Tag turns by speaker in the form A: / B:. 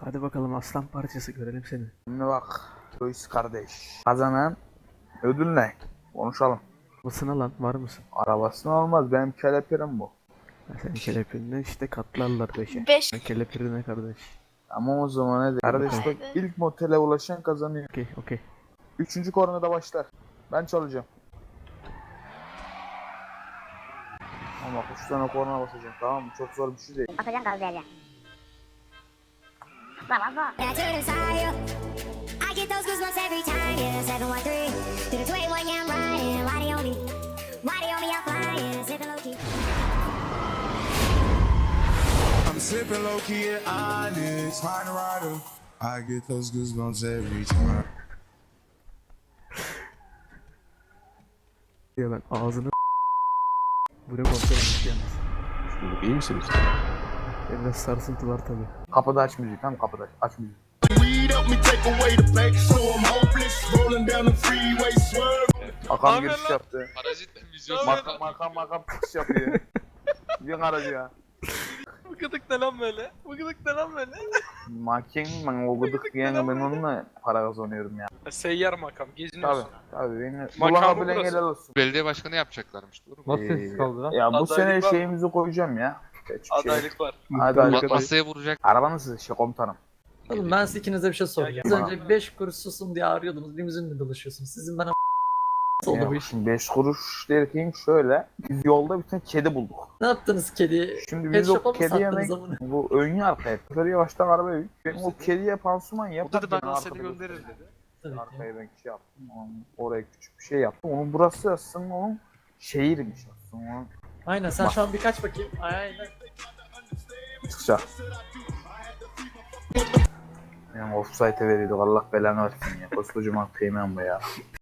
A: Hadi bakalım aslan parçası görelim seni.
B: Şimdi bak. Joyce kardeş. Kazanan ödül ne? Konuşalım.
A: Basına lan var mısın?
B: Arabasını olmaz. Benim kelepirim bu.
A: Ya senin kelepirine işte katlarlar 5'e.
C: 5.
A: Kelepirine kardeş.
B: Ama o zaman ne kardeş bak, ilk motele ulaşan kazanıyor.
A: Okey okey.
B: 3. kornada başlar. Ben çalacağım. Ama bak 3 tane korna basacağım, tamam mı? Çok zor bir şey değil.
D: Atacaksın gaz vereceksin. Baba baba.
E: And I turn inside you. I get those goosebumps every time. Yeah, 713 to the 21. Yeah, I'm riding. Why they on me? Why they on me? I'm flying. Sipping low key.
F: I'm sipping low key at Onyx, find a rider. I get those goosebumps every time.
A: Ya ben ağzını buraya kontrol yalnız.
G: İyi misiniz?
A: Biraz sarsıntı var tabi.
B: Kapıda aç müziği, tamam, kapıda aç müziği.
F: Weed help me take away the pain, so I'm hopeless. Rolling down the freeway, swerve.
B: Hakan giriş yaptı.
H: Parazit vizyon
B: Makam çıkış yapıyor. Bir aracı ya.
C: Bu gıdık ne lan böyle? Bu gıdık ne lan böyle?
B: Makin ben o gıdık yani ben onunla para kazanıyorum ya.
C: Seyyar makam
B: Tabi
C: geziniyorsun.
B: tabi beni
C: Makamı
B: kullanabilen
C: burası.
B: helal olsun.
H: belediye başkanı yapacaklarmış, doğru mu?
G: Nasıl sessiz kaldı lan?
B: Ya bu
C: Adaylık
B: sene
C: var.
B: şeyimizi koyacağım ya. Hiçbir şey.
C: Adaylık var.
B: Adaylık.
H: Masaya vuracak.
B: Arabanız şey komutanım.
I: Oğlum ben size ikinize bir şey soracağım. Az
B: Bana.
I: önce 5 kuruş susun diye arıyordunuz. Limuzinle dolaşıyorsunuz. Sizin bana oldu bu
B: Ya,
I: iş.
B: şimdi 5 kuruş derken şöyle. Biz yolda bir tane kedi bulduk.
I: Ne yaptınız kediye?
B: Şimdi
I: Pet
B: biz o
I: shop'a mı
B: kedi
I: sattınız
B: yemek
I: amına?
B: bu ön arka hep. Böyle yavaştan arabaya yük. Ben o kediye pansuman
C: O
B: yaparken
C: dedi ben
B: arkada
C: seni
B: göstereyim.
C: gönderirim dedi.
I: Tabii ki.
B: Arkaya ben şey yaptım. Oraya küçük bir şey yaptım. Onun burası aslında onun şehirmiş aslında. Onun
I: Aynen sen şu an birkaç bakayım. Aynen.
B: çıkacak. Yani offside'e veriyorduk, Allah belanı versin ya. Koskocaman kıymen bu ya.